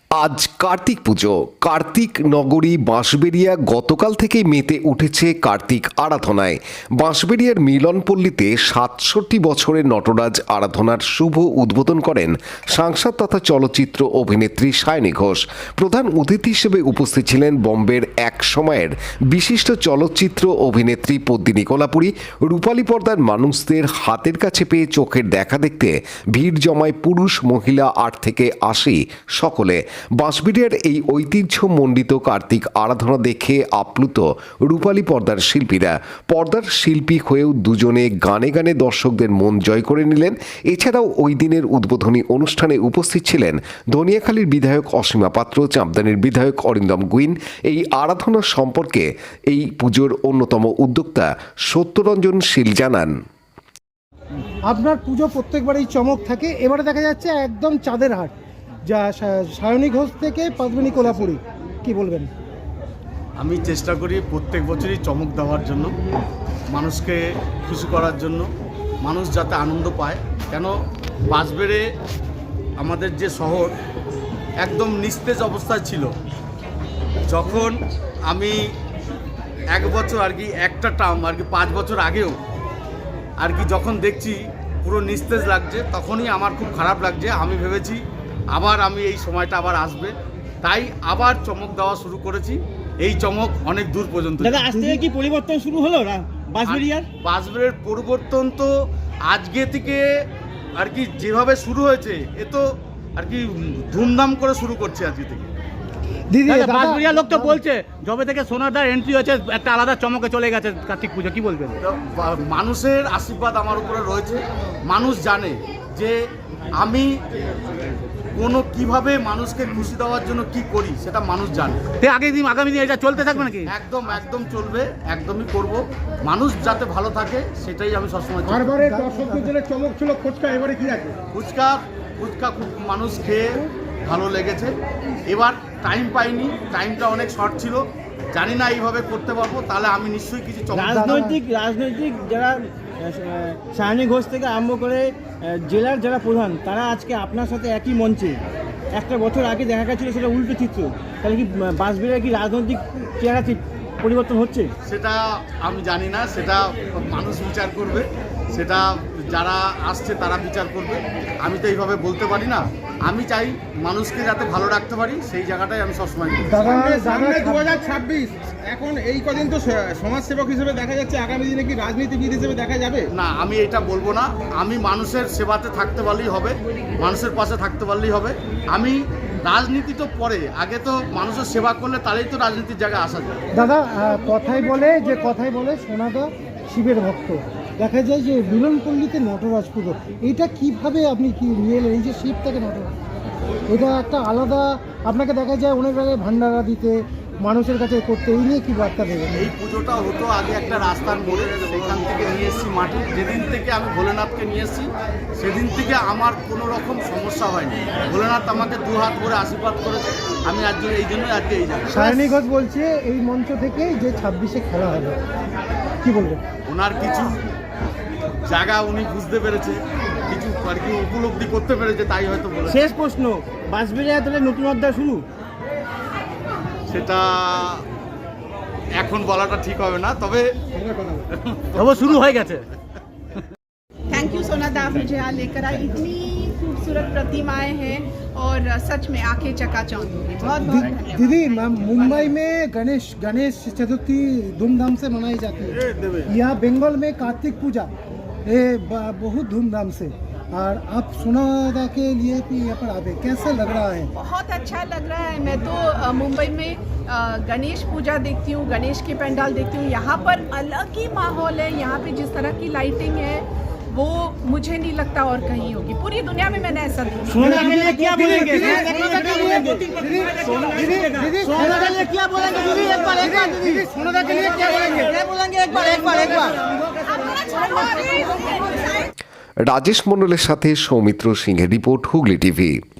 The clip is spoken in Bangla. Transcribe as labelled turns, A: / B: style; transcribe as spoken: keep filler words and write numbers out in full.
A: আজ কার্তিক পুজো। কার্তিক নগরী বাঁশবেড়িয়া গতকাল থেকেই মেতে উঠেছে কার্তিক আরাধনায়। বাঁশবেড়িয়ার মিলনপল্লীতে সাতষট্টি বছরের নটরাজ আরাধনার শুভ উদ্বোধন করেন সাংসদ তথা চলচ্চিত্র অভিনেত্রী সায়নী ঘোষ। প্রধান অতিথি হিসেবে উপস্থিত ছিলেন বোম্বের এক সময়ের বিশিষ্ট চলচ্চিত্র অভিনেত্রী পদ্মিনী কোলাপুরী। রূপালী পর্দার মানুষদের হাতের কাছে পেয়ে চোখের দেখা দেখতে ভিড় জমায় পুরুষ মহিলা আট থেকে আশি সকলে। বাঁশবেড়িয়ার এই ঐতিহ্যমণ্ডিত কার্তিক আরাধনা দেখে আপ্লুত রূপালী পর্দার শিল্পীরা। পর্দার শিল্পী হয়েও দুজনে গানে গানে দর্শকদের মন জয় করে নিলেন। এছাড়াও ওই দিনের উদ্বোধনী অনুষ্ঠানে উপস্থিত ছিলেন ধনিয়াখালীর বিধায়ক অসীমা পাত্র, চাঁপদানির বিধায়ক অরিন্দম গুইন। এই আরাধনা সম্পর্কে এই পুজোর অন্যতম উদ্যোক্তা সত্যরঞ্জন শীল জানান,
B: আপনার পুজো প্রত্যেকবারই চমক থাকে, এবারে দেখা যাচ্ছে একদম চাঁদের হাট, যা সায়নী ঘোষ থেকে পদ্মিনী কোলাপুরী, কি বলবেন?
C: আমি চেষ্টা করি প্রত্যেক বছরই চমক দেওয়ার জন্য, মানুষকে খুশি করার জন্য, মানুষ যাতে আনন্দ পায়। কেন বাঁশবেড়ে আমাদের যে শহর একদম নিস্তেজ অবস্থায় ছিল, যখন আমি এক বছর আর কি একটা টার্ম আর কি পাঁচ বছর আগেও আর কি যখন দেখছি পুরো নিস্তেজ লাগছে, তখনই আমার খুব খারাপ লাগছে। আমি ভেবেছি আবার আমি এই সময়টা আবার আসবে, তাই আবার চমক দেওয়া শুরু করেছি। এই চমক অনেক দূর পর্যন্ত।
D: দাদা, আজ থেকে কি পরিবর্তন শুরু হলো বাঁশবেড়িয়ার?
C: বাঁশবেড়িয়ার পরিবর্তন তো আজকে থেকে আর কি যেভাবে শুরু হয়েছে, এ তো আর কি ধুমধাম করে শুরু করছে আজকে থেকে।
B: দিদি,
D: বাঁশবেড়িয়ার লোক তো বলছে যবে থেকে সোনারদার এন্ট্রি হয়েছে একটা আলাদা চমকে চলে গেছে কার্তিক পুজো, কি বলবেন?
C: মানুষের আশীর্বাদ আমার উপরে রয়েছে। মানুষ জানে যে আমি কোনো কিভাবে মানুষকে খুশি দেওয়ার জন্য কি করি, সেটা মানুষ জানে।
D: আগামী দিন আগামী দিন এটা চলতে থাকবে নাকি?
C: একদম একদম চলবে, একদমই করব। মানুষ যাতে ভালো থাকে সেটাই আমি সবসময়।
B: বারবারে দর্শকদের জন্য চমক ছিল ফুচকা, এবারে কি আছে?
C: ফুচকা ফুচকা খুব মানুষ খেয়ে ভালো লেগেছে। এবার টাইম পাইনি, টাইমটা অনেক শর্ট ছিল, জানি না এইভাবে করতে পারবো, তাহলে আমি নিশ্চয়ই কিছু চমক।
D: রাজনৈতিক রাজনৈতিক যারা সায়নী ঘোষ থেকে আরম্ভ করে জেলার যারা প্রধান, তারা আজকে আপনার সাথে একই মঞ্চে। একটা বছর আগে দেখা গেছিল সেটা উল্টো চিত্র, তাহলে কি বাঁশবেড়িয়ার কি রাজনৈতিক চেহারা পরিবর্তন হচ্ছে?
C: সেটা আমি জানি না, সেটা মানুষ বিচার করবে, সেটা যারা আসছে তারা বিচার করবে। আমি তো এইভাবে বলতে পারি না। আমি চাই মানুষকে যাতে ভালো রাখতে পারি, সেই জায়গাটাই আমি সবসময়।
E: দু হাজার ছাব্বিশ এখন এই কদিন তো সমাজসেবক হিসেবে দেখা যাচ্ছে, আগামী দিনে কি রাজনীতিবিদ হিসেবে দেখা যাবে?
C: না, আমি এটা বলবো না। আমি মানুষের সেবাতে থাকতে পারলেই হবে, মানুষের পাশে থাকতে পারলেই হবে। আমি রাজনীতি তো পরে, আগে তো মানুষের সেবা করলে তাহলেই তো রাজনীতির জায়গায় আসা যায়।
B: দাদা, কথাই বলে যে কথাই বলে সোনাদা শিবের ভক্ত, দেখা যায় যে মিলনপল্লীতে নটরাজ পুজো, এটা কিভাবে আপনি কি নিয়ে এলেন? এই যে শিব থেকে নটরাজ, এটা একটা আলাদা, আপনাকে দেখা যায় অনেক জায়গায় ভান্ডারা দিতে, মানুষের কাছে করতে, এই নিয়ে কি বার্তা দেবেন?
C: এই পুজোটা হতো আগে একটা রাস্তার মোড়ে, সেখান থেকে নিয়ে এসেছি মাটি। যেদিন থেকে আমি ভোলেনাথকে নিয়ে এসেছি সেদিন থেকে আমার কোনো রকম সমস্যা হয়নি। ভোলেনাথ আমাকে দু হাত ভরে আশীর্বাদ করেছে, আমি আজ এই জন্য আজকে এই জায়গায়।
B: সায়নী ঘোষ বলছে এই মঞ্চ থেকে যে ছাব্বিশে খেলা হবে, কি বলবেন?
C: ওনার কিছু জায়গা উনি বুঝতে পেরেছে, কিছু আর কি উপলব্ধি করতে পেরেছে, তাই হয়তো বলেছে।
D: শেষ প্রশ্ন, বাঁশবেড়িয়া তাহলে নতুন অধ্যায় শুরু?
C: সেটা এখন বলাটা ঠিক হবে না, তবে
D: তবে শুরু হয়ে গেছে।
F: थैंक यू सोना दा, मुझे यहाँ लेकर आई। इतनी खूबसूरत प्रतिमाएं हैं और सच में आंखें चकाचौंध होंगी। बहुत बहुत धन्यवाद।
B: दीदी, मुंबई में गणेश गणेश चतुर्थी धूमधाम से मनाई जाती है, यहाँ बंगाल में कार्तिक पूजा ये बहुत धूमधाम से, और आप सोनादा के लिए भी यहाँ पर आवे, कैसा लग रहा है?
F: बहुत अच्छा लग रहा है। मैं तो अ, मुंबई में अ, गणेश पूजा देखती हूँ, गणेश के पंडाल देखती हूँ। यहाँ पर अलग ही माहौल है। यहाँ पे जिस तरह की लाइटिंग है वो मुझे नहीं लगता और कहीं होगी। पूरी दुनिया में मैंने ऐसा देखा।
D: सोनादा के लिए क्या बोलेंगे? सोनादा के लिए क्या बोलेंगे दीदी? एक बार एक बार दीदी, सोनादा के लिए क्या बोलेंगे? क्या बोलेंगे? एक बार एक बार एक बार
A: রাজেশ মণ্ডলের সাথে সৌমিত্র সিংহের রিপোর্ট, হুগলি টিভি।